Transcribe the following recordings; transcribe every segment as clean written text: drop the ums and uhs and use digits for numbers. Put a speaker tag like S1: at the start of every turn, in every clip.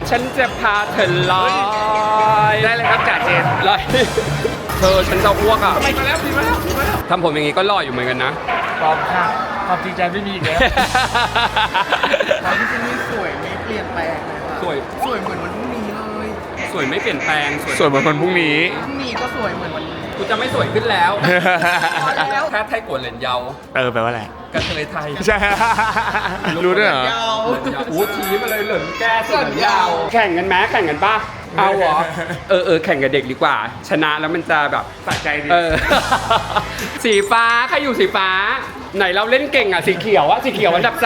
S1: ฉันจะพาเธอลอย
S2: ได้เลยครับจ่าเจน
S1: ลอยเธอฉันจะอ้วกอ่ะ
S2: มาแล้วพี่มาแล้ว
S1: ทำผมอย่างงี้ก็หล่ออยู่เหมือนกันนะ
S2: ปลอมค่ะความจริงใจไม่มีอีกแล้ว
S3: ความที่ที่นี่สวยไม่เปลี่ยนแปลงเลยค่ะ
S1: สวย
S3: สวยเหมือนวันพรุ่งนี้เลย
S1: สวยไม่เปลี่ยนแปลง
S2: ส่วนเหมือนคนพรุ่งนี้
S3: พรุ่งนี้ก็สวยเหมือนวันนี้
S1: กูจะไม่สวยขึ้นแล้ว
S3: แล้ว
S1: แค่ไทยกวนเหรียญเยา
S2: แปลว่าอะไร
S1: กระเทยไทย
S2: ใช่ รู้ด้วยเหรอ
S3: ยาว
S1: อู้ชี้มาเลยเหลินแก้เหลินยาว แข่งกันไหมแข่งกันป่ะ เอาเหรอ แข่งกับเด็กดีกว่า ชนะแล้วมันจะแบบ
S2: สะใจดี
S1: สีฟ้าใครอยู่สีฟ้า ไหนเราเล่นเก่งอ่ะสีเขียวอ่ะสีเขียวอันดับ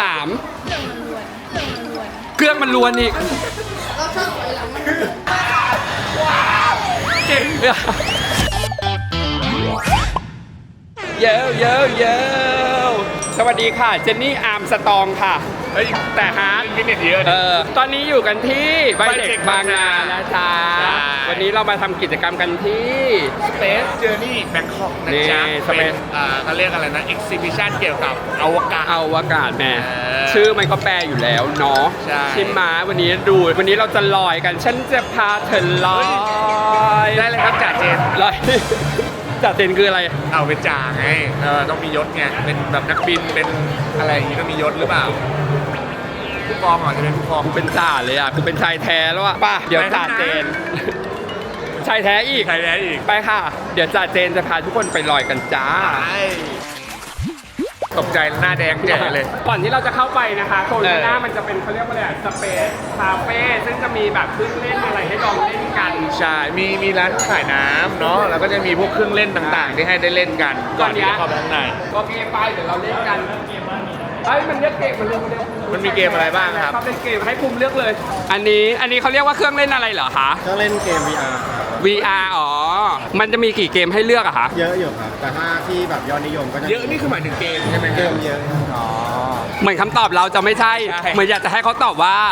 S1: 3เครื่องมันล้วนอีกเก่งเยอะสวัสดีค่ะเจนนี่อาร์มสตองค่ะ
S2: เฮ้ย
S1: แต่ฮาร์ด
S2: ฟิตเนสเยอะนะ
S1: ตอนนี้อยู่กันที่ใบเด็กบางนา
S2: ใช่
S1: นะจ๊ะวันนี้เรามาทำกิจกรรมกันที่
S2: Space Journey Bangkok นะจ๊ะ
S1: นี่
S2: เป็น
S1: Space
S2: เขาเรียกอะไรนะ Exhibition เกี่ยวกับอวกาศ
S1: เอาอากาศแม่
S2: เออ
S1: ชื่อมันก็แปลอยู่แล้วเนาะ
S2: ใช่
S1: ชิมมาวันนี้ดูวันนี้เราจะลอยกันฉันจะพาเธอลอย
S2: ได้เลยครับจ่าเจน
S1: ลอยจ่าเจนคืออะไร
S2: เอาเป็นจ่าไงต้องมียศไง เป็นแบบนักบิน เป็นอะไรอย่างนี้ต้องมียศหรือเปล่า ผู้กองเหรอจะเป็นผู้กอง
S1: กูเป็นจ่าเลยอ่ะกูเป็นชายแท้แล้วอ่ะป่ะเดี๋ยวจ่าเจนชายแท้อีก
S2: ใครแท้อีก
S1: ไปค่ะ เดี๋ยวจ่าเจนจะพาทุกคนไปลอยกันจ้า
S2: ตกใจหน้าแดงแจ๋เลย
S1: ก่อนที่เราจะเข้าไปนะคะโซน
S2: เออ
S1: หน้ามันจะเป็นเขาเรียกว่าอะไรสเปซคาเฟ่ซึ่งจะมีแบบเครื่องเล่นอะไรให้ลองเล่นกัน
S2: ใช่ มีร้านขายน้ำเนาะ แล้วก็จะมีพวกเครื่องเล่นต่างๆ ที่ให้ได้เล่นกัน ก่อนที่จะเข้าไปข้างใน
S1: โอเคไปเดี๋ยวเราเล่นกันเอ้ยมันเลือกเกมมันเลือก
S2: มันมีเกมอะไรบ้างครับ
S1: เขาเป็นเกมให้ภูมิเลือกเลย อันนี้เขาเรียกว่าเครื่องเล่นอะไรเหรอคะ
S4: ก็เล่นเกม VR ครับ
S1: VR อ๋อมันจะมีกี่เกมให้เลือกอะคะ
S4: เยอะอยู่ครับ แต่ถ้าที่แบบยอดนิยมก็จะ
S2: เยอะนี่คือหมายถึงเกมใช่ไหม
S4: เกมเยอะ
S2: อ๋อ
S1: เหมือนคำตอบเราจะไม่ใช่
S2: ใช่
S1: เหมือนอยากจะให้เขาตอบว่า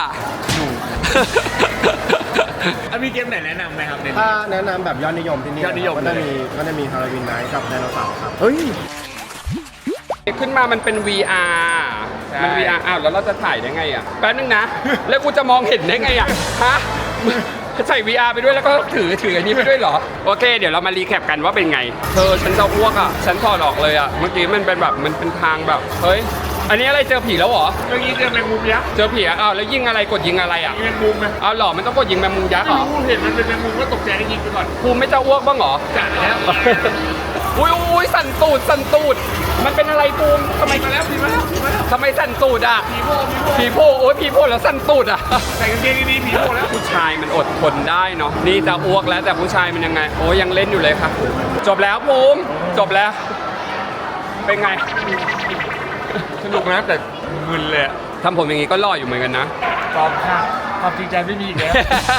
S2: มีเกมไหนแนะนำไหมครับใน
S4: ถ้า
S2: นี้
S4: แนะนำแบบยอดนิยมที่นี่
S2: ยอดนิยม
S4: ก็จะมีฮาโลวีนไนท์กับไดโนเสาร์ครับ
S2: เฮ้ย
S1: ขึ้นมามันเป็น VR
S2: ใช่
S1: มัน VR อ้าวแล้วเราจะถ่ายได้ไงอ่ะแป๊บนึงนะ แล้วกูจะมองเห็นได้ไงอ่ะฮะใส่ VR ไปด้วยแล้วก็ถืออันนี้ไปด้วยเหรอ โอเค เดี๋ยวเรามารีแคปกันว่าเป็นไง ฉันจะอ้วกอ่ะ ฉันถอดออกเลยอ่ะ เมื่อกี้มันเป็นแบบมันเป็นทางแบบ เฮ้ย อันนี้อะไรเจอผีแล้วเหรอ
S2: เมื่อกี้เจอแมงมุมยักษ์
S1: เจอผีอ่ะอ้าวแล้วยิงอะไรกดยิงอะไรอ่ะ
S2: มีแมงมุมไหม
S1: อ้าวเหรอมันต้องกดยิงแมงมุมยักษ์เหร
S2: ไม่
S1: อ
S2: รู้เห็นมันเป็นแมงมุมก็ตกใจก็ยิงไปก่อน
S1: ภูมิไม่จะอ้วกบ้างเหรอ
S2: จ่าแล้ว
S1: อุ้ยสั่นตูด มันเป็นอะไรภูมิทำไม
S2: มาแล้วมาแล้ว
S1: ทำไมสั่นตูดอ่ะ
S2: ผีโผล่
S1: โอ้ยผีโพแล้วสั่นตูดอ่ะ
S2: ใส่กางเกงดีๆผีโผล่แล้ว
S1: ผู้ชายมันอดทนได้เนาะนี่จะอ้วกแล้วแต่ผู้ชายมันยังไง โอ้ยังเล่นอยู่เลยค่ะจบแล้วภูมิจบแล้ว เป็นไง
S2: สนุกนะแต่มึนเลยอะ
S1: ทำผมอย่างงี้ก็หล่ออยู่เหมือนกันนะ
S2: ปลอมค่ะความจริงใจไม่มีอีกแล้ว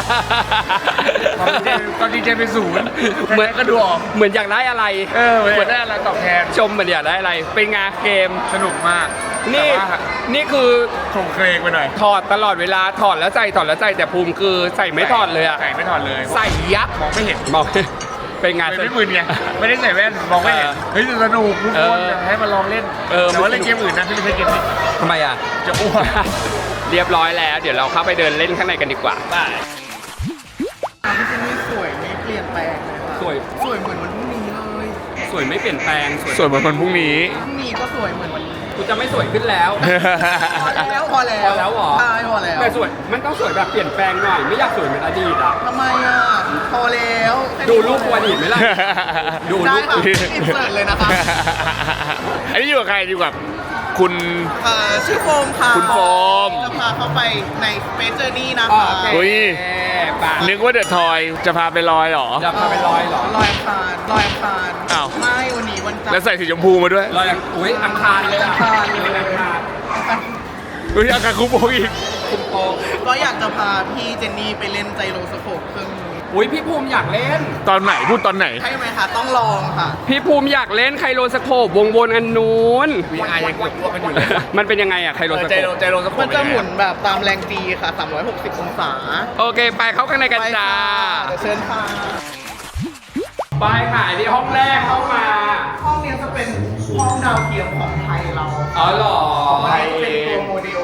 S2: ความจริงใจเป็นศูนย์
S1: เหมือน
S2: ก็ดูออก
S1: เหมือนอยากได้อะไร
S2: เหมือนได้อะไรตอบแทน
S1: ชมเหมือนอยากได้อะไร เป็นไงเกม
S2: สนุกมาก
S1: นี่
S2: แต่ว่า
S1: นี่คือ
S2: โครงเครงไปหน่อย
S1: ถอดตลอดเวลาถอดแล้วใส่แต่ภูมิคือใส่ไม่ถอดเลยอะ
S2: ใส่ไม่ถอดเลย
S1: ใส่ยับ
S2: มองไม่เห็น
S1: มอง เป็นไง
S2: ไม่มึนไงไม่ได้ใส่แว่นมองไม่เห็นเฮ้ยแต่สนุกทุกคนอยากให้มาลองเล่น แต่ว่าเล่นเกมอื่นนะที่ไม่ใช่เกมนี้
S1: ทำไมอะ
S2: จะอ้วก
S1: เรียบร้อยแล้ว เดี๋ยวเราเข้าไปเดินเล่นข้างในกันดีกว่า
S3: ความที่ที่นี่สวยไม่เปลี่ยนแปลงเลยค่ะ
S1: สวย
S3: สวยเหมือนวันพรุ่งนี้เลย
S1: สวยไม่เปลี่ยนแปลง
S2: สวยเหมือนคนพรุ่งนี้
S3: พรุ่งนี้ก็สวยเหมือนวันนี้
S1: กูจะไม่สวยขึ้นแล้ว
S3: พอแล้ว
S1: พอแล้วเหรอ
S3: ใช่พอแล้ว
S1: แต่สวยมันต้องสวยแบบเปลี่ยนแปลงหน่อย ไม่อยากสวยเหมือนอดีตอ่ะ
S3: ทำไมอ่ะพอแล้วแค่นี้
S1: ดูรูปวันอีกไหมล่ะ ดู
S3: ได้
S1: รูป
S3: ค่ะอินเสิร์ตเลยนะคะ
S2: อันนี้อยู่กับใครอยู่กับคุณ
S3: ชื่อโฟมค่ะ
S2: คุณโฟม
S3: จะพาเข้าไปใน Space Journey นะ
S1: โอ
S3: คะ
S1: เค
S2: อุ๊ย
S1: ป่ะ
S2: นึกว่าเดอะทอยจะพาไปลอยเหรอ
S1: จะพาไปลอยเหรอ
S3: ลอยอังคารลอยอังคาร
S2: อ้าว
S3: ไม่วันนี้วันจันท
S2: แล้ว
S3: ร์
S2: ใส่สีชมพูมาด้วย
S1: ลอยอุ้ยอังคารเลยอะ
S3: อังคารเลย
S1: อังคาร
S2: อุ้ยอาการคุโปอีก
S1: คุณโป
S3: ก็อยากจะพาพี่เจนนี่ไปเล่นไจโรสโคปเครื่องนี้
S1: อุ้ยพี่ภูมิอยากเล่น
S2: ตอนไหนพูดตอนไหน
S3: ใช่ไหมคะต้องลองค่ะ
S1: พี่ภูมิอยากเล่นไคโรสโคปวงวนอันนู้น
S2: VR ยังกดอ้วกกันอยู่เลย
S1: มันเป็นยังไงอะไคโรสโค
S2: ใจ
S1: ป
S2: โรสโคป
S3: มันจะหมุนแบบตามแรงจีค่ะ 360 องศา
S1: โอเค ไปเข้าข้างในกัน
S3: ไป
S1: จ้า
S3: ค่ะเดี๋ยวเชิญค่ะ
S1: ไปค่ะอันนี้ห้องแรกเข้ามา
S3: ห้องนี้จะเป็นห้องดาวเทียมของไทยเรา
S1: อ๋อเหรอ
S3: ไทยเป็นตัวโมเดลจำลอง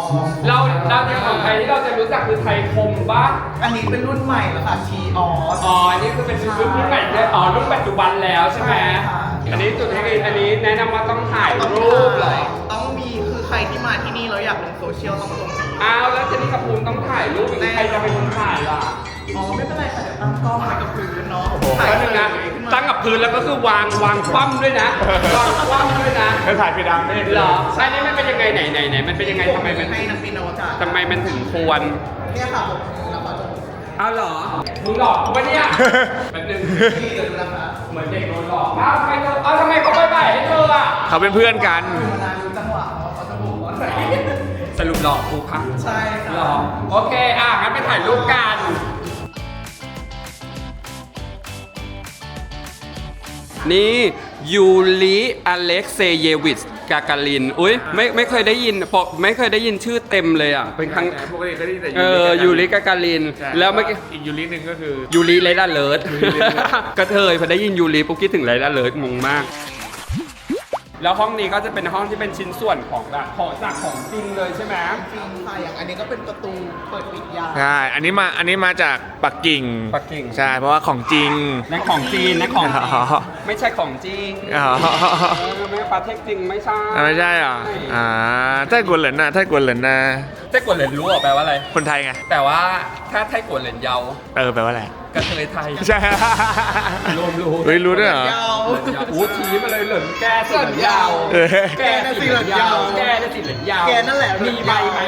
S1: เราเนี่ยของไทยที่เราจะรู้จักคือไทยคมปะ
S3: อันนี้เป็นรุ่นใหม่แล้วค่ะชีออส
S1: อ๋ออันนี้คือเป็นรุ่นใหม่เลยอ๋อรุ่นปัจจุบันแล้วใช่ไหม
S3: ใช่ค่ะ
S1: อันนี้จุดให้อันนี้แนะนำว่าต้องถ่ายรูปเหรอ
S3: ต้องมีคือใครที่มาที่นี่แล้วอยากลงโซเชียลต้องลงนี้
S1: อ้าวแล้วเจนนี่กับภูมิต้องถ่ายรูปอย่างนี้ใครจะเป็นคนถ่ายล่ะ
S3: อ๋อไม่เป็นไรค่ะเดี๋ยวตั้งกล้องไว้กับพื้นเนาะ
S1: ถ่ายหนึ่งนะตั้งกับพื้นแล้วก็คือวางคว่ำด้วยนะวางคว่ำด้วยนะ
S2: แล้วถ่ายไปดังไม่ได้
S1: เหรอใช่นี่มันเป็นยังไงไหนมันเป็นยังไงทำไมมัน
S3: ให้นักบินอวกาศ
S1: ทำไมมันถึงควร
S3: เนี่ยค่ะผมแล้วก็จะ
S1: อ้าวเหรอมึงหลอกกูปะเนี่ยแป๊บนึง
S3: นี่เดี๋ยวดูนะคะ
S1: เหมือนเด็กโดนหลอกอ้าวทำไมเขาไปบ่ายให้เธออ่ะ
S2: เขาเป็นเพื่อนกัน
S3: เวลาดูจังหวะเขาจะบอกว่าไหน
S1: สรุปหลอกกูค่ะ
S3: ใช่
S1: หร
S3: ค่ะ
S1: อโอเคงั้นไปถ่ายรูปกันนี่ยูริอเล็กเซเยวิชกากาลินอุ้ยไม่เคยได้ยินไม่เคยได้ยินชื่อเต็มเลยอ่ะเป็นครั้ง
S2: ปกติก็ได้แต่
S1: ยูริกากาลิน
S2: ใช่
S1: แล้วเมื่อกี้
S2: อีกยูริหนึ่งก็คือ
S1: ยูริไรด้าเลิศกระเทยพอได้ยินยูริปุ๊บคิดถึงไรด้าเลิศงงมาก แล้วห้องนี้ก็จะเป็นห้องที่เป็นชิ้นส่วนของจากของจริงเลยใช่ไหม
S3: จริงค่ะอย่างอันนี้ก็เป็นประตูเปิดปิดยาว
S2: ใช่ อันนี้มาจากปักกิ่ง
S1: ปักกิ่ง
S2: ใช่ เพราะว่าของจริง
S1: นั่นของจีนนั่นของจริง
S2: อ๋อ
S1: ไม่ใช่ของจริง
S2: อ๋อ
S1: ไม่ประเทศจริงไม่ใช่
S2: ไม่ใช่เหรอไต้กวนเหรินนะไต้กวนเหรินนะ
S1: ไต้กวนเหรินรู้เหรอแปลว่าอะไร
S2: คนไทยไง
S1: แต่ว่าถ้าไต้กวนเหรินเยา
S2: แปลว่าอะไร
S1: กระเทยไทย
S2: ใช่
S1: รวมรู้
S2: เฮ้ยรู้ด้วยเหรอ
S3: ยาว
S1: อู้ชี้มาเลยเหรินแก้สิเหรินยาว
S2: เออ
S1: แกน่ะสิเหรินยาวแกน่ะสิเหรินยาว
S3: แกนั่นแหละ
S1: มีใบไหม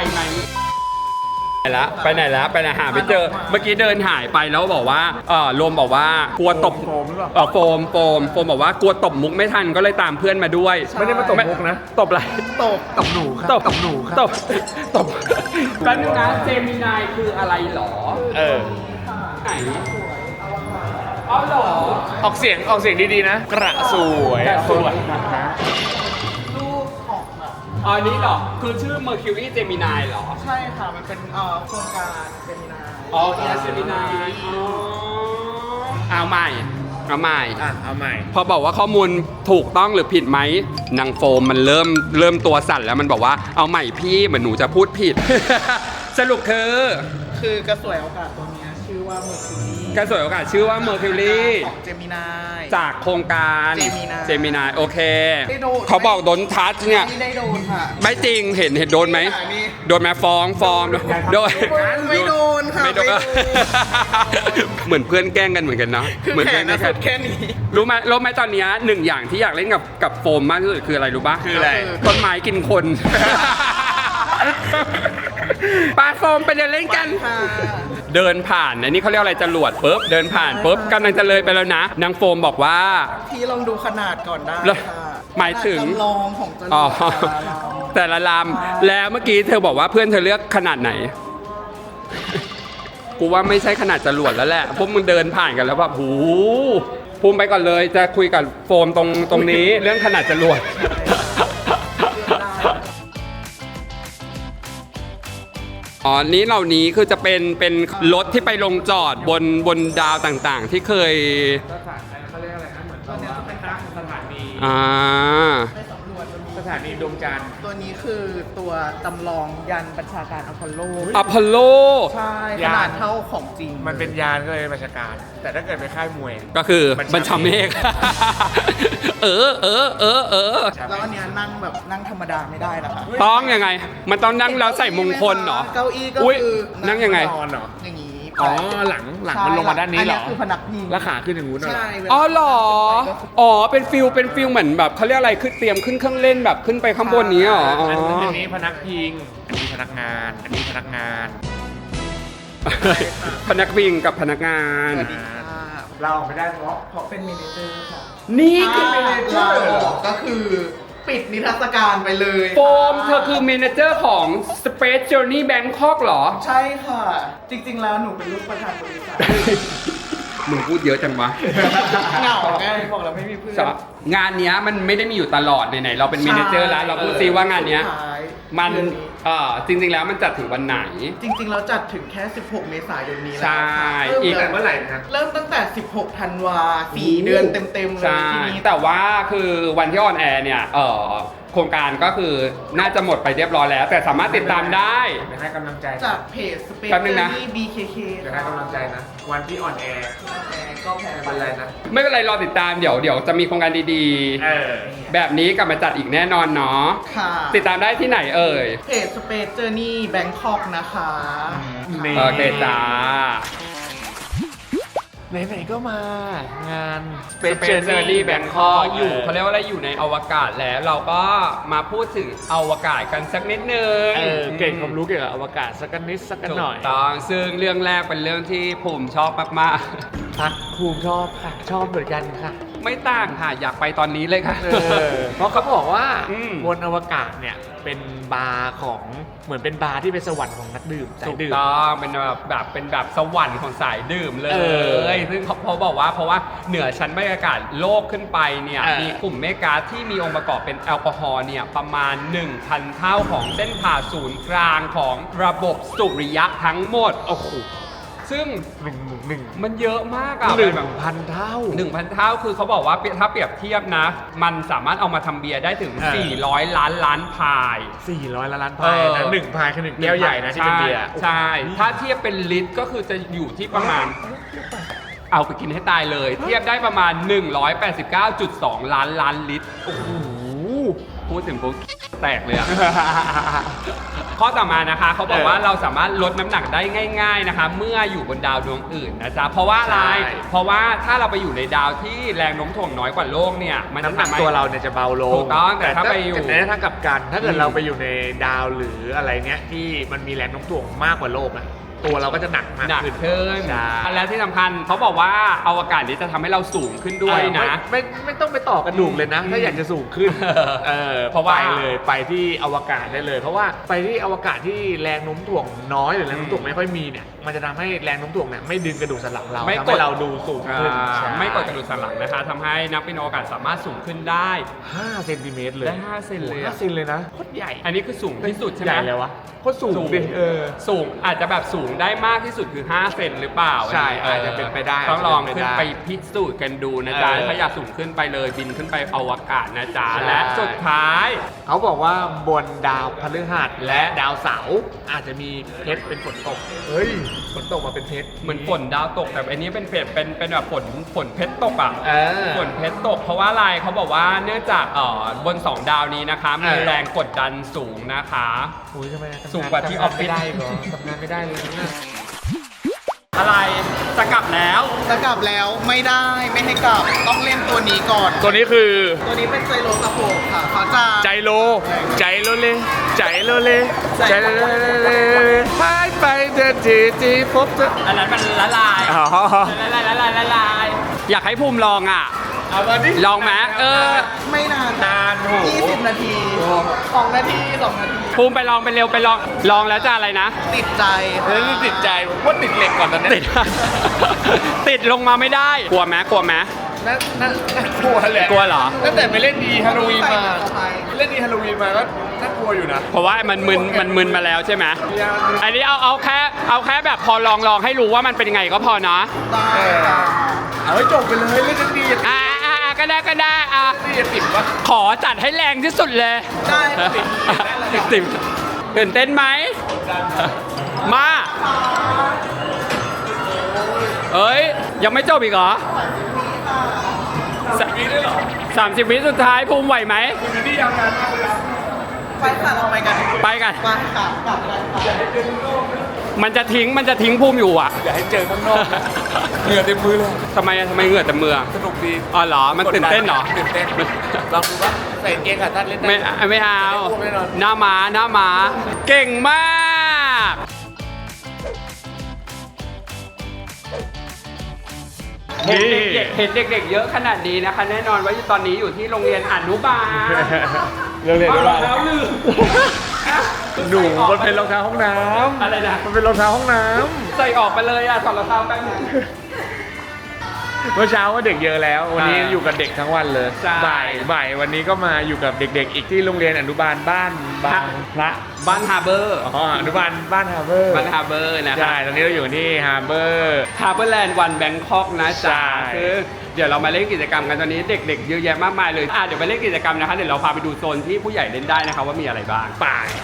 S1: ไปไหนแล้วไปไหนหาไม่เจอ เมื่อกี้เดินหายไปแล้วบอกว่าโรมบอกว่ากลัวตบ
S2: โฟมหรือเปล่า
S1: โฟมบอกว่ากลัวตบมุกไม่ทันก็เลยตามเพื่อนมาด้วย
S2: ไม่ได้มาตบมุกนะ
S1: ตบอะไร
S3: ตบหนูครับ
S1: ตบหนูครับตบแป๊บนึงนะเจมินายคืออะไรหรอ
S2: เออ
S1: ไหนอ๋อเหรอ
S2: ออกเสียงดีๆนะ กระสวย
S1: กระสวย
S3: รูปของแบบ
S1: อ๋อนี้เหรอคือชื่อ Mercury Gemini เหรอ
S3: ใช่ค่ะมันเป็นโครงการเป็นมีนา
S1: อ๋อเจมินายเอาใหม่
S2: เอาใหม่
S1: พอบอกว่าข้อมูลถูกต้องหรือผิดไหมนางโฟมมันเริ่มตัวสั่นแล้วมันบอกว่าเอาใหม่พี่เหมือนหนูจะพูดผิด สรุปคือก
S3: ระสวยโอกาสตัวเนี้ยชื่อว่าเมอร์คิวรี
S1: กระสวยโอกาสชื่อว่า Mercury
S3: ของเจมินาย
S1: จากโครงการ
S3: Gemini
S1: เจมินายโอเค
S3: ได้โดน
S1: เขาบอกโดนทัชเนี่ย
S3: ไม่ได้โดนค่ะ
S1: ไม่จริงเห็นโดนไหม
S3: นี่
S1: โดนไหมฟ้องโดน
S3: ไม่โดนค่ะ
S1: ไม่โดน
S3: ไม่โดน
S1: เหมือนเพื่อนแกล้งกันเหมือนกันเนาะ
S3: คือ
S1: เหมือน
S3: แข
S1: เพื่อน
S3: น
S1: แกล้
S3: นะ
S1: ง
S3: สุ
S1: กัน
S3: ดแค่นี้
S1: รู้ไหมตอนเนี้ยหนึ่งอย่างที่อยากเล่นกับโฟมมากที่สุดคืออะไรรู้ปะ
S2: คืออะไร
S1: ต้นไม้กินคน ปลาโฟมไปเดินเล่นกัน
S3: ค่ะ
S1: เดินผ่านอันนี้เขาเรียกอะไรจรวดปุ๊บเดินผ่านปุ๊บกำลังจะเลยไปแล้วนะนางโฟมบอกว่า
S3: พี่ลองดูขนาดก่อนได้
S1: แล้ว
S3: ค่ะ
S1: หมายถึง
S3: ขนดจำลองของจรวด
S1: อ๋อ
S3: แต่ละลำ
S1: แต่ละลำแล้วเมื่อกี้เธอบอกว่าเพื่อนเธอเลือกขนาดไหน กูว่าไม่ใช่ขนาดจรวดแล้วแหละพวกมึงเดินผ่านกันแล้วแบบหูภูมิไปก่อนเลยจะคุยกับโฟมตรงนี้เรื่องขนาดจรวด อ๋อนี้เหล่านี้คือจะเป็นรถที่ไปลงจอดบนดาวต่างๆ ที่เคย
S2: เขาเรียกอะไรนะเหมือนตอนนี้เป็นตั้งสถานี
S3: ไปสำรวจจะมี
S2: สถานีดวงจันทร์
S3: ตัวนี้คือตัวจำลองยันบัญชาการอพอลโล
S1: อพอลโล
S3: ใช่
S2: ยาน
S3: ขนาดเท่าของจริง
S2: มันเป็นยานก็เลยบัญชาการ แต่ถ้าเกิดไปค่ายมวย
S1: ก็คือ
S2: บั
S1: บัญ
S2: ญ
S1: ชา
S2: ชา
S1: เม
S2: เม
S1: ฆ
S2: ฆ
S3: แล้วอันเนี้ยนั่งแบบนั่งธรรมดาไม่ได้นะคะ
S1: ต้องยังไง มันต้องนั่งแล้วใส่มงคลเหรอ
S3: เก้าอี้ก็
S1: อุ๊ย
S3: คือ
S1: นั่งยังไง
S2: นอนเหรอ
S3: อย่างนี้
S2: อ๋อ หลังมันลงมาด้านนี้เหรอ
S3: นนี้คือพนักพิง
S2: แล้วขาขึ้นอย่างงู้นเหรอ
S3: ใช่
S1: อ๋อเหรอ อ๋อ เป็นฟิลเหมือนแบบเขาเรียกอะไรคือเตรียมขึ้นเครื่องเล่นแบบขึ้นไปข้างบนนี้เหรออ๋อ
S2: อันนี้พนักพิง อันนี้พนักงาน อันนี้พนักงาน
S1: พนักวิ่งกับพนักงาน
S3: สวัสดีค่ะ
S2: เราออกไม่ได้เพราะ
S3: เพราะเป็นเมเนเจอร์ค่ะ
S1: นี่คือ
S3: ถ้าเราออกก็คือปิดนิทรรศการไปเลย
S1: โฟมเธอคือเมเนเจอร์ของ Space Journey Bangkok เหรอ
S3: ใช่ค่ะ จริงๆแล้วหนูเป็นลูกประธานบริษัท
S1: มึงพูดเยอะจังวะ
S3: เหงาไงบอกเราไม่มีเพื่อน
S1: งานเนี้ยมันไม่ได้มีอยู่ตลอดไหนๆเราเป็นเมเนเจอร์แล้วเราพูดซิว่างานเนี้ย
S3: สุดท้าย
S1: มัน
S3: เดือ
S1: จริงๆแล้วมันจัดถึงวันไหน
S3: จริงๆเราจัดถึงแค่ 16 เมษายนนี้แล้ว
S1: ใช่
S3: ค่ะ
S1: อีก
S2: แต่เมื่อไหร่นะครับ
S3: เริ่มตั้งแต่ 16 ธันวา4 เดือนเต็มๆเลย
S1: ใช่
S3: ทีนี้
S1: แต่ว่าคือวันที่ออนแอร์เนี่ยโครงการก็คือน่าจะหมดไปเรียบร้อยแล้ว แต่สามารถติดตามได้
S2: เดี๋ยวให้กำลังใจ
S3: จากเพจ Space
S1: แป๊บนึงนะ
S3: Journey BKK
S2: เดี๋ยวให้กำลังใจนะ วันที่ออนแอร์
S3: ก็แพ้
S2: ไม่เป็นไรนะ
S1: ไม่เป็นไรรอติดตามเดี๋ยวจะมีโครงการดี
S2: เออ
S1: ๆ แบบนี้กลับมาจัดอีกแน่นอนเนาะ
S3: ค่ะ
S1: ติดตามได้ที่ไหนเอ่ย
S3: เพจ Space Journey Bangkok นะคะ
S2: นี่
S1: โอเคจ้า
S2: ไหนๆก็มางาน
S1: เป็นเจอร์นี่แบงคอกอยู่เขาเรียกว่าอะไรอยู่ในอวกาศแล้วเราก็มาพูดถึงอวกาศกันสักนิดนึง
S2: เก่งความรู้เกี่ยวกับอวกาศสักนิดสักหน่อย
S1: ถูกต้องซึ่งเรื่องแรกเป็นเรื่องที่ภูมิชอบมาก
S2: พักภูมิชอบค่ะ ชอบเหมือนกันค่ะ
S1: ๆ ไม่ต่างค่ะ อยากไปตอนนี้เลยค่ะ
S2: เพราะเขาบอกว่า
S1: อืม
S2: บนอวกาศเนี่ยเป็นบาร์ของเหมือนเป็นบาร์ที่เป็นสวรรค์ของนักดื่มสา
S1: ถู
S2: ย
S1: ก
S2: ดื่ม
S1: ต้องเป็นแบบสวรรค์ของสายดื่มเล
S2: เออ
S1: ย ซึ่งเขาบอกว่าเพราะว่าเหนือชั้นบรรยากาศโลกขึ้นไปเนี่ย มีกลุ่มเมฆก๊าซที่มีองค์ประกอบเป็นแอลกอฮอล์เนี่ยประมาณ 1,000 เท่าของเส้นผ่าศูนย์กลางของระบบสุริยะทั้งหมด
S2: โอ้โห
S1: ซึ่ง
S2: หนึ่ง
S1: มันเยอะมากอะ
S2: หนึ่ง
S1: แบบ
S2: พันเท่า
S1: 1,000 เท่าคือเขาบอกว่าถ้าเปรียบเทียบนะ มันสามารถเอามาทำเบียร์ได้ถึง
S2: เออ
S1: 400 ล้านพาย
S2: 400 ล้านพายนะหนึ่งพายคือหนึ่งแก้วใหญ่นะที่เป็นเบียร์
S1: ใช่ ถ้าเทียบเป็นลิตรก็คือจะอยู่ที่ประมาณ เอาไปกินให้ตายเลย เทียบได้ประมาณ 189.2 ล้านลิตร โอ้โห พูดถึงปุ๊บแตกเลยอะ ข้อต่อมานะคะเขาบอกว่าเราสามารถลดน้ำหนักได้ง่าย ๆนะคะ เมื่ออยู่บนดาวดวงอื่นนะจ๊ะเพราะว่าอะไร
S2: ใช่
S1: เพราะว่าถ้าเราไปอยู่ในดาวที่แรงโน้มถ่วงน้อยกว่าโลกเนี่ยมันจะ
S2: น้ำหนัก
S1: ทำให้
S2: ตัวเราเนี่ยจะเบาลง
S1: ถูกต้องแต่ถ้าไปอยู่
S2: แต่ถ้ากลับกัน ถ้าเกิด
S1: อืม
S2: เราไปอยู่ในดาวหรืออะไรเนี้ยที่มันมีแรงโน้มถ่วงมากกว่าโลกอะตัวเราก็จะหนักมาก
S1: หนัก
S2: ขึ้น
S1: ขึ้น
S2: ใช่
S1: และที่สำคัญเขาบอกว่าอวกาศนี้จะทำให้เราสูงขึ้นด้วยนะ
S2: ไม่ต้องไปต่อกระดูกเลยนะ ถ้าอยากจะสูงขึ้น
S1: เพราะว่า
S2: ไปเลยไปที่อวกาศได้เลย เพราะว่าไปที่อวกาศที่แรงโน้มถ่วงน้อยหรือแรงโน้มถ่วงไม่ค่อยมีเนี่ยมันจะทำให้แรงโน้มถ่วงเนี่ยไม่ดึงกระดูกสันหลังเรา
S1: ไม่
S2: ทำ
S1: ก
S2: ให้
S1: ด
S2: เราดูสูงขึ้นใช่
S1: ไม่กดกระดูกสันหลังนะคะทำให้นักบินอวกาศสามารถสูงขึ้นได้
S2: 5 เซนติเมตรเลย
S1: ได้5เซนเลยอะ
S2: 5 เซนเลยนะโคตรใหญ่
S1: อันนี้คือสูงที่สุดใช่ไหม
S2: ใหญ่เลยวะโคตรสูงดิ
S1: สูงอาจจะแบบสูงได้มากที่สุดคือ5เซนหรือเปล่า
S2: ใช่
S1: นนี้
S2: อาจจะเป็นไปได้
S1: ต้องลอง
S2: อาจจะ
S1: ขึ้
S2: เป็น นไป
S1: ไป
S2: ได้
S1: พิสูจน์กันดูนะจ๊ะ ถ้าอยากสูงขึ้นไปเลยบินขึ้นไปอวกาศนะจ๊ะและสุดท้าย
S2: เขาบอกว่าบนดาวพฤหัสและดาวเสาร์อาจจะมีเพชรเป็นฝนตก เฮ้ย ฝนตกมาเป็นเพชร
S1: เหมือนฝนดาวตกแต่อันนี้เป็นเป็นแบบฝนเพชรตกอ่ะ
S2: เออ
S1: ฝนเพชรตกเพราะว่าอะไรเขาบอกว่าเนื่องจากบน 2 ดาวนี้นะคะมี
S2: เออ
S1: แรงกดดันสูงนะคะ
S2: อุ้ยทำไมทำน
S1: สูงกว่าที่ออฟฟิศ
S2: ทำงานไม่ได้เหรอทำงานไม่ได้เลยนะ
S1: อะไรจะกลับแล้ว
S3: จะกลับแล้วไม่ได้ไม่ให้กลับต้องเล่นตัวนี้ก่อน
S2: ตัวนี้คือ
S3: ตัวนี้เป็นไซโลสโคปค่ะเขาจะ
S2: ใจโลเลใจโลเลหายไปเดินจีพบเธอ
S1: อันนั้นมันละลาย
S2: อ๋อ
S1: ละลายอยากให้ภูมิลองอ่ะ
S2: เอามาดิ
S1: ลองไหม
S3: ไม่นาน
S2: นานโห
S3: 20 นาที2 นาที 2 นาที
S1: ภูมิไปลองไปเร็วไปลองแล้วจะอะไรนะ
S3: ติดใจ
S2: เฮ้ยติดใจผมว่าติดเหล็กก่อนตอนนี้
S1: ติดลงมาไม่ได้กลัวไหม
S2: น่ากลัวแหละ
S1: กลัวเหรอ
S2: ตั้งแต่ไปเล่นดีฮาโลวีนมาเล่นดีฮาโลวีนมาก็น่ากลัวอยู่นะ
S1: เพราะว่ามันมึนมาแล้วใช่ไหมอันนี้เอาแค่แบบพอลองให้รู้ว่ามันเป็นยังไงก็พอเนาะ
S3: ได้ค่ะ
S2: เอาให้จบไปเลยเล่นดี
S1: ก็ได้
S2: ดีจะติดปะ
S1: ขอจัดให้แรงที่สุดเลย
S3: ได้ค่ะ
S1: ติดตื่นเต้นไหมมาเอ้ยยังไม่จบอีกเหรอ
S2: มีด้วยเหรอ
S1: 30 วิสุดท้ายภูมิไหวไหม
S2: คุณนี่ยาวนานมากเลยนะ
S3: ไปค่ะเราไปกัน
S1: ไปกัน
S3: ไปค่ะกลับกันค่ะ
S1: มันจะทิ้งภูมิอยู่อ่ะ
S2: อย่าให้เจอข้างนอกนะเหงื่อเต็มมือเลย
S1: ทำไมเหงื่อแต่มือ
S2: สนุกดี
S1: อ๋อเหรอมันตื่นเต้นเหรอ
S2: ตื่นเต้นลองดูว่าใส่กางเกงขาสั้นเล่นได้
S1: ไม่เอา
S2: ไม่นอน
S1: หน้าม้าเก่งมากเห็นเด็กๆเยอะขนาดนี้นะคะ แน่นอนว่าตอนนี้อยู่ที่โรงเรียนอนุบาล
S2: เรื่องเรียน
S1: เอา
S2: ได้
S1: รองเท้าลืม
S2: หนูมันเป็นรองเท้าห้องน้ำ
S1: อะไรนะ
S2: มันเป็นรองเท้าห้องน้
S1: ใส่ออกไปเลยอ่ะถอดรองเท้าแป๊บนึง
S2: ำเมื่อเช้าก็เด็กเยอะแล้ว วันนี้
S1: ใช่
S2: อยู่กับเด็กทั้งวันเลย
S1: ใช่
S2: บ่ายวันนี้ก็มาอยู่กับเด็กๆ อีกที่โรงเรียนอนุบาลบ้านบางพระ
S1: บ้านฮาร์เบอร์
S2: อ๋ออนุบาลบ้านฮาร์เบอร์
S1: บ้านฮาร์เบอร์นะครั
S2: ใช่ตอนนี้เราอยู่ที่ฮาร์เบอร์
S1: ฮาร์เบอร์แลนด์วันแบงคอกนะจ๊ะ
S2: ใช่
S1: คือเดี๋ยวเรามาเล่นกิจกรรมกันตอนนี้เด็กๆเยอะแยะมากมายเลยเดี๋ยวไปเล่นกิจกรรมนะคะเดี๋ยวเราพาไปดูโซนที่ผู้ใหญ่เล่นได้นะคะว่ามีอะไรบ้างไป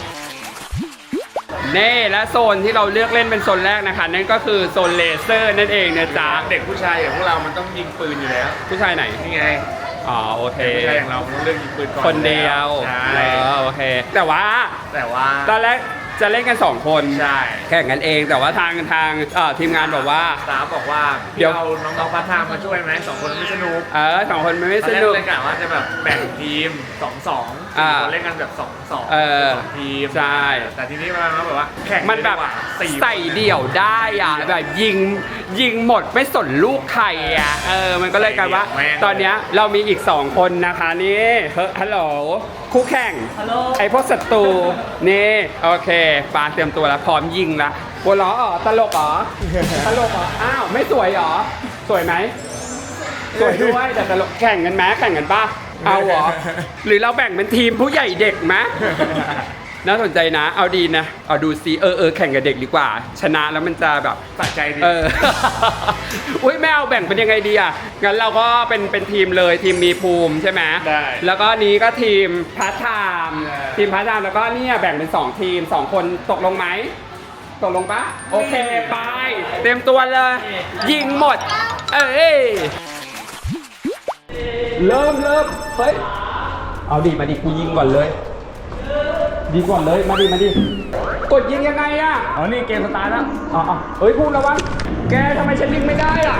S1: เน่และโซนที่เราเลือกเล่นเป็นโซนแรกนะคะนั่นก็คือโซนเลเซอร์นั่นเองนะจ๊ะ
S2: เด็กผู้ชายอย่างพวกเรามันต้องยิงปืนอยู่แล้ว
S1: ผู้ชายไหน
S2: นี่ไง
S1: อ๋อโอเค
S2: เด็กผู้ชายอย่างเรามันต้องเลือกยิงปืนก่อน
S1: คนเดียว
S2: ใช่
S1: โอเค แต่ว่า
S2: แต่ว่า
S1: ตอนแรกจะเล่นกัน2 คน
S2: ใช่
S1: แข่งกันเองแต่ว่าทางทีมงานบอกว่า
S2: สาวบอกว่า
S1: เดี๋ยว
S2: เอาน้องๆพาร์ทไทม์มาช่วยไหม2 คนไม่สนุก
S1: 2 คนมันไม่
S2: ต
S1: ส
S2: อนแรก
S1: นุก
S2: เลยกะว่าจะแบบแบ่งทีม 2-2
S1: อ่า
S2: คนเล่นกันแบบ2-2
S1: เออ
S2: สองทีม
S1: ใช่
S2: แต่ทีนี้มันแบบว่าแข่ง
S1: มันแบบ
S2: ดีกว่าสี่
S1: ใส่เดี่ยวได้อ่ะแบบยิงหมดไม่สนลูกใครอ่ะมันก็เลยกลายว่า ตอนเนี้ยเรามีอีก2 คนนะคะนี่ฮัลโหลคู่แข่งไอพวกศัตรูนี่โอเคปาเตรียมตัวแล้วพร้อมยิงละหัวล้ออ๋อตลกเหรอตลกเหรออ้าวไม่สวยเหรอสวยไหมสวยด้วยแต่ตลกแข่งกันไหมแข่งกันป่ะเอาเหรอหรือเราแบ่งเป็นทีมผู้ใหญ่เด็กไหม น่าสนใจนะ เอาดีนะ เอาดูซิแข่งกับเด็กดีกว่า ชนะแล้วมันจะแบบ
S2: สะใจดี
S1: อุ้ยไม่เอาแบ่งเป็นยังไงดีอ่ะ งั้นเราก็เป็นทีมเลยทีมมีภูมิใช่ไหม
S2: ได้
S1: แล้วก็นี้ก็ทีมพาร์ทไทม์
S2: ได้
S1: ทีมพาร์ทไทม์แล้วก็เนี่ยแบ่งเป็น2 ทีม 2 คนตกลงไหม ตกลงปะโอเคไปเตรียมตัวเลย ยิงหมด เริ่มเฮ้ย เอาดิมาดิกูยิงก่อนเลย ดีก่อนเลยมาดิกดยิงยังไงอ่ะ
S2: อ๋อนี่เกมสตาร์ทแล้ว
S1: อ๋อเฮ้ยพูดระวังแกทำไมฉันยิงไม่ได้อ่ะ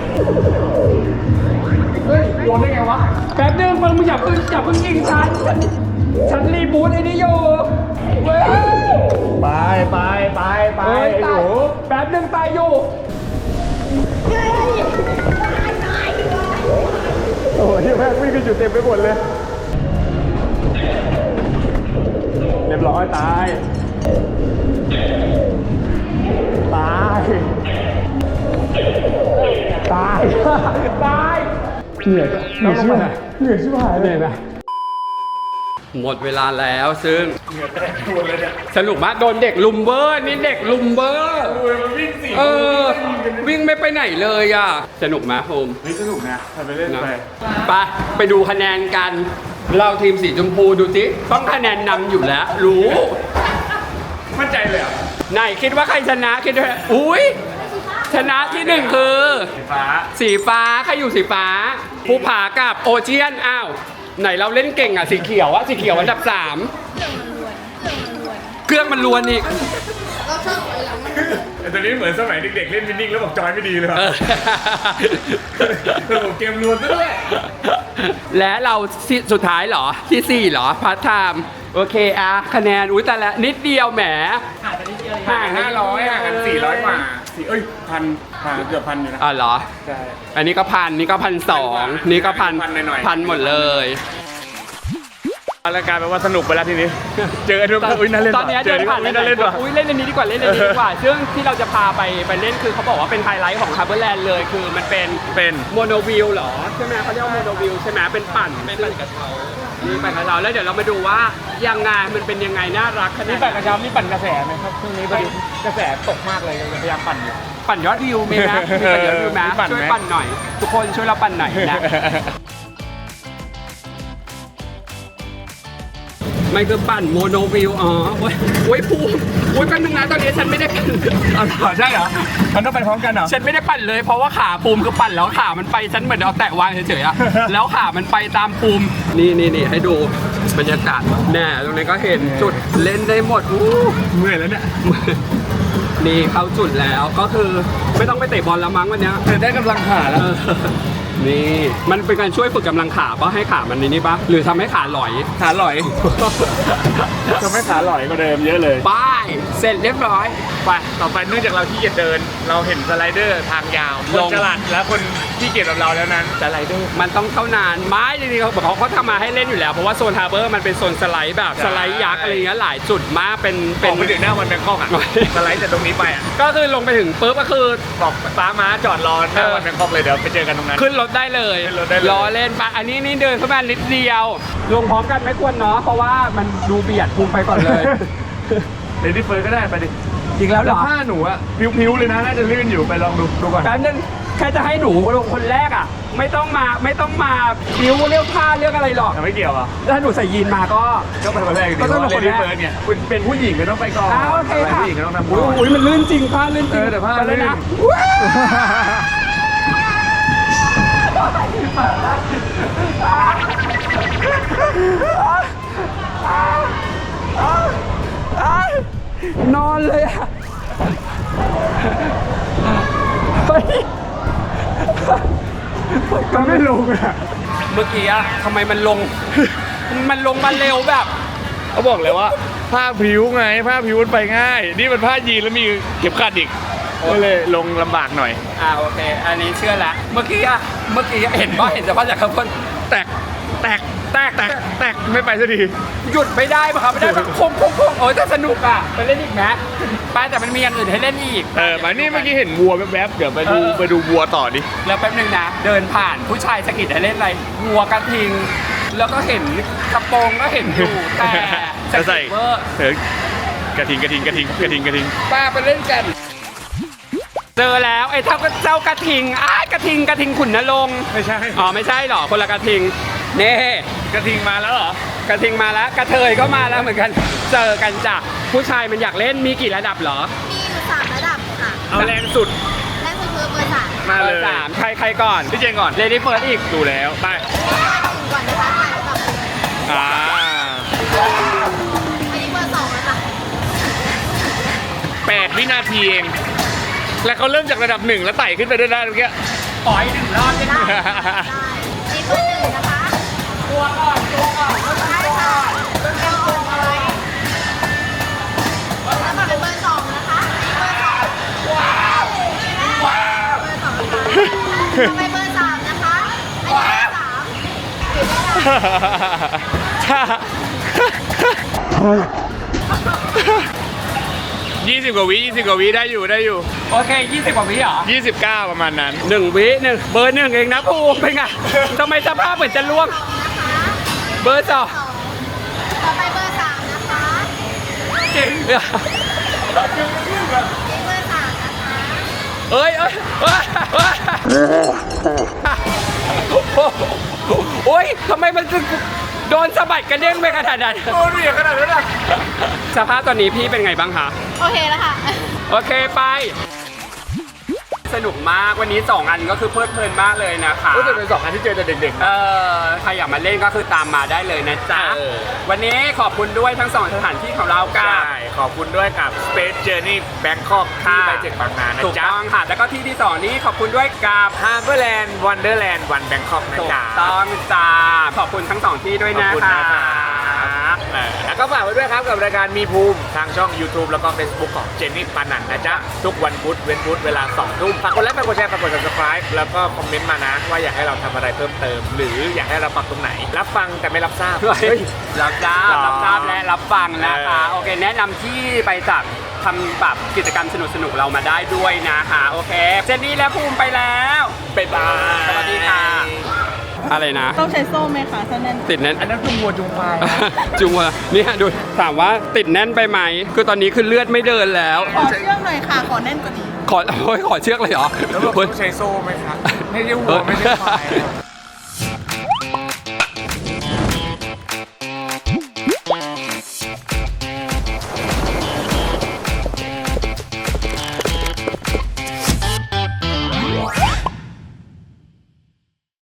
S1: เฮ้ยโดนได้ไงวะแป๊บนึงมึงอย่าเพิ่งยิงฉันรีบูทไอ้นี่อยู่เว้ย
S2: ไป
S1: เฮ้ยตายแป๊บนึงตายอยู่โอ้ยแม่งวิ่งกันอยู่เต็มไปหมดเลยเรียบร้อยตายเหนื่อยชิบหายเลยหมดเวลาแล้วซึ่ง
S2: เหงื่อแตกตัวเลยเนี่ย
S1: สนุกมากโดนเด็กลุมเบอร์นี่เด็กลุมเบอร์
S2: มันวิ่งสี่
S1: วิ่งไม่ไปไหนเลยอ่ะสนุกไหมโฮม
S2: เฮ้ยสนุกนะทำไปเล่นไป
S1: ไปดูคะแนนกัน เราทีมสีชมพูดูสิต้องคะแนนนำอยู่แล้ว รู้
S2: มั่นใจเลยอ่ะ
S1: ไหนคิดว่าใครชนะคิดว่าอุ้ยชนะที่1คือ
S2: สีฟ้า
S1: ใครอยู่สีฟ้าภูผากับโอเชียนอ้าวไหนเราเล่นเก่งอ่ะสีเขียวอันดับ 3เครื่องมันล้วนอีก
S2: แต่ตอนนี้เหมือนสมัยเด็กๆเล่นวินนิ่งแล้วบอกจอยไม่ดีเลยว่ะระบบเกมรวนซะด้วย
S1: และเราสุดท้ายเหรอที่4เหรอพาร์ทไทม์โอเคคะแนนอุ้ยแต่ละนิดเดียวแหมห่าง
S2: 500ห่างกัน400กว่าพันห่างเกือบพันอยู่นะ
S1: เหรอ
S2: ใช่
S1: อันนี้ก็1,000นี่ก็1,200นี่ก็1,000
S2: หน่อยๆ
S1: พันหมดเลย
S2: รายการแปลว่าสนุกไปแล้วทีนี้ เจอทุกคนน่าเล่น
S1: ตอนนี้
S2: เจ
S1: เดิ
S2: อน ทุกค
S1: ผ่าน
S2: นน่าเล่นว่ะ
S1: อุ้ยเล่นอันนี้ดีกว่าเล่นอันนี้ดีกว่า ซึ่งที่เราจะพาไปเล่นคือเขาบอกว่าเป็นไฮไลท์ของฮาร์เบอร์แลนด์เลยคือมันเป็นโมโนวิลเหรอใช่ไหมเขาเรียกว่าโมโนวิลใช่ไหมเป็นปั่นกระเช้านี่ปั่นกระเช้าแล้วเดี๋ยวเรามาดูว่ายังไงมันเป็นยังไงน่ารักขนาด
S2: นี่
S1: ไห
S2: ปั่นกระเช้านี่ปั่นกระแสไหมครับช่วงนี้พอดีกระแสตกมากเลยพยายามปั่นอยู่
S1: ปั่นยอดวิวมีไหมมีปั่นยอดวิวไหม
S2: มีปั่นไหม
S1: ช่วยปั่นหน่อย ทุกคนช่วยเราปั่นหน่อยนะ มันคือปั่นโมโนวิวโอ้ยภูมิโอ้ยแป๊บนึงนะตอนนี้ฉันไม่ได้ปั่น
S2: ใช่เหรอมันต้องไปพร้อมกันเหรอ
S1: ฉันไม่ได้ปั่นเลยเพราะว่าขาภูมิคือปั่นแล้วขามันไปฉันเหมือนเอาแตะวางเฉยๆอะ แล้วขามันไปตามภูมินี่ให้ดูบรรยากาศแน่ตรงนี้ก็เห็นจุดเล่นได้หมดอู้
S2: เมื่อยแล้วเนี่ย
S1: นี่เข้าจุดแล้วก็คือไม่ต้องไปเตะบอลแล้วมั้งวันเนี้ย
S2: ได้กำลังขาแล้ว
S1: นี่มันเป็นการช่วยฝึกกำลังขาป่ะให้ขามันนี่ป่ะหรือทำให้ขาหลอย
S2: ขาหลอยทำให้ขาหลอยกว่าเดิมเยอะเลย
S1: บายเสร็จเรียบร้อย
S2: ไปต่อไปเนื่องจากเราที่เกียจเดิน เราเห็นสไลเดอร์ทางยาวคนฉลาดและคนที่เกียจแบบเราแล้วนั้นสไลเดอร์
S1: มันต้องเท่านานไม้จริงๆเขาทำมาให้เล่นอยู่แล้วเพราะว่าโซนฮาร์เบอร์มันเป็นโซนสไลด์แบบสไลด์ยักษ์อะไรเงี้ยหลายจุดมากเป็น
S2: ออกไปถึงหน้าวันแบงคอกอ่ะ สไลด์จากตรงนี้ไปอ่ะ
S1: ก็คือลงไปถึงปุ๊บก็คือ
S2: บอกฟ้าม้าจอดรอหน้าวันแบงคอกเลยเดี๋ยวไปเจอกันตรงนั้น
S1: ขึ้นรถได้เลย
S2: ขึ้นรถได้เลย
S1: รอเล่นปะอันนี้นี่เดินเข้ามานิดเดียวลงพร้อมกันไม่ควรเนาะเพราะว่ามันดูเบียดพุงไปก่อนเลย
S2: เลดี้เฟิร์สก็ได้ไปดิ
S1: จริงแล้วเหรอ
S2: ผ้าหนูอะพิ้วๆเลยนะน่าจะลื่นอยู่ไปลองดูก่อน
S1: แป๊บนึงแค่จะให้หนูลงคนแรกอ่ะ ไม่ต้องมาบิ้วเรื่องผ้าเรื่องอะไรหรอก
S2: ไม่เกี่ยวอ่ะ
S1: ถ้าหนูใส่ยีนมาก็
S2: ไปคนแรก
S1: ก็ต้องลงคนแรก
S2: เฟิร์สเนี่ยคุณเป็นผู้หญิงก็ต้องไปก่อน
S1: โอเคค่ะ
S2: ผู้หญิงก็ต้องทำก่อน
S1: โอ้ยมันลื่นจริงผ้าลื่นจริง
S2: แต่ผ้า
S1: ไปเลย
S2: ลื่
S1: นะ
S2: น
S1: นอนเลยอ่ะเฮ้ย
S2: มันไม่ลงอ่ะ
S1: เมื่อกี้อะทำไมมันลง มันลงมาเร็วแบบ
S2: เขาบอกเลยว่าผ้าพริ้วไงผ้าพริ้วมันไปง่าย นี่มันผ้ายีนแล้วมีเข็มขัดอีกก็เลยลงลำบากหน่อย
S1: โอเค อันนี้เชื่อละ เมื่อกี้เห็นว่าเห็นสภาพจากข้างบน
S2: แตกไม่ไปสักที
S1: หยุดไม่ได้ป่ะครับไม่ได้แบบคงโอ้ยแต่สนุกอ่ะไปเล่นอีกไหมไปแต่มันมีอย่างอื่นให้เล่นอีก
S2: มานี่เมื่อกี้เห็นวัวแวบๆเดี๋ยวไปดูวัวต่อดิ
S1: แล้วแป๊บนึงนะ เดินผ่านผู้ชายสะกิดให้เล่นอะไรวัวกระทิง แล้วก็เห็นกระโปรงก็เห็นอยู่แต่สะ
S2: จะใส่
S1: กิดเวอร์
S2: กระทิง
S1: ป้าไปเล่นกัน เจอแล้วไอ้เจ้ากระทิงกระทิงขุนนรงค์
S2: ไม่ใช่
S1: อ๋อไม่ใช่หรอคนละกระทิงเน่
S2: กระทิงมาแล้วเหรอก
S1: ระทิงมาแล้วกระเทยก็มาแล้วเหมือนกัน เจอกันจ้ะผู้ชายมันอยากเล่นมีกี่ระดับเหรอ
S5: มีอยู่3ระดับค่ะ
S2: เอาแรงสุด
S5: แรกสุดคือเบอร์สาม
S2: มาเลย
S1: สามใครก่อน
S2: พี่เจนก่อน
S1: เลดี้เฟิร์สอีก
S2: ดูแล้วไป
S5: ก่อนนะคะถ่ายระดับ
S2: อ่า
S5: อันนี้เบอร์2แล้วค่ะ
S2: 8 วินาทีเอง แล้วเขาเริ่มจากระดับ 1 แล้วไต่ขึ้นไปด้วยได้เมื่อกี้
S1: ปล่อยหนึ่งรอบได้ไหม
S5: ได้นี่เบอร์1นะคะ
S1: ตัวก่อนตัวก่อน
S5: ใช่ค่ะเป็นเบอร์2เลยแล้วมาเป็นเบอร์2นะคะเบอร์2ว้าวเบอร์2นะคะต่อไปเบอร์3นะคะอันนี้เบอร์3ถือได้
S2: 20 กว่าวิได้อยู่
S1: โอเค20 กว่าวิเหรอ
S2: 29 ประมาณนั้น
S1: 1 วิหนึ่งเบอร์ 1เองนะภูมิเป็นไงทำไมสภาพเหมือนจะล่วง
S5: นะคะ
S1: เบอร์ 2
S5: ต่อไปเบอร์3นะคะ
S1: เก่ง
S5: นี่เบอร์3นะคะ
S1: เอ้ยโอ้ยทำไมมันถึงโดนสะบัดกระเด้งไปขนาดนั้น
S2: โดนเหวี่ยงขนาดนั้นอ่ะ
S1: สภาพตอนนี้พี่เป็นไงบ้างคะ
S5: โอเคแล้วค่ะ
S1: โอเคไป สนุกมากวันนี้ 2 อันก็คือเพลิดเพลินมากเลยนะคะ
S2: ก็จะเป็น2อันที่เจอแต่เด็ก
S1: ใครอยากมาเล่นก็คือตามมาได้เลยนะจ๊ะ วันนี้ขอบคุณด้วยทั้ง 2 สถานที่ของเรา
S2: ๆ
S1: กั
S2: ใช่
S1: บ
S2: ขอบคุณด้วยกับ Space Journey Bangkok ที่ไป7บางนานะ
S1: ถูก
S2: จ๊ะ
S1: ต้องค่ะ แล้วก็ที่ที่ 2 นี้ขอบคุณด้วยกับ
S2: Harborland Wonderland One Bangkok นะ
S1: ถูก
S2: จ๊ะ
S1: ต้องจ้าขอบคุณทั้ง 2 ที่ด้วย
S2: ขอบ
S1: นะ
S2: คุณ
S1: คะ
S2: นะครับแล้วก็ฝากไว้ด้วยครับกับรายการมีภูมิทางช่อง YouTube แล้วก็ Facebook ของเจนนี่ปานันนะจ๊ะ ทุกวันพุธเว้นพุธเวลา 2 ทุ่มฝากกดไลค์ฝากกดแชร์ฝากกด subscribe แล้วก็คอมเมนต์มานะ ว่าอยากให้เราทำอะไรเพิ่มเติม หรืออยากให้เราปรับตรงไหน รับฟังแต่ไม่รับทราบ
S1: เฮ้ยรับทราบ
S2: หรอ
S1: รับทราบและรับฟังนะคะ
S2: เออ
S1: โอเค แนะนำที่ไปจากทำแบบกิจกรรมสนุกๆเรามาได้ด้วยนะคะโอเคเจนนี่และภูมิไปแล้ว
S2: บ๊ายบาย
S1: สวัสดีค่ะ อะไรนะ
S3: ต้องใช้โซ่ไหมคะถ้าแน่น
S1: ติดแน่น
S2: อันนั้นคือวัวจุงควาย
S1: จุงวะเนี่ยดูถามว่าติดแน่นไปไหมคือตอนนี้คือเลือดไม่เดินแล้ว
S3: ขอเชือกหน่อยค่ะ ขอแน่นกว่านี้
S1: ขอเชือกเลยเหรอ
S2: แล้วบอกต้องใช้โซ่ไหมครับไม่ใช่วัวไม่ใช่ควาย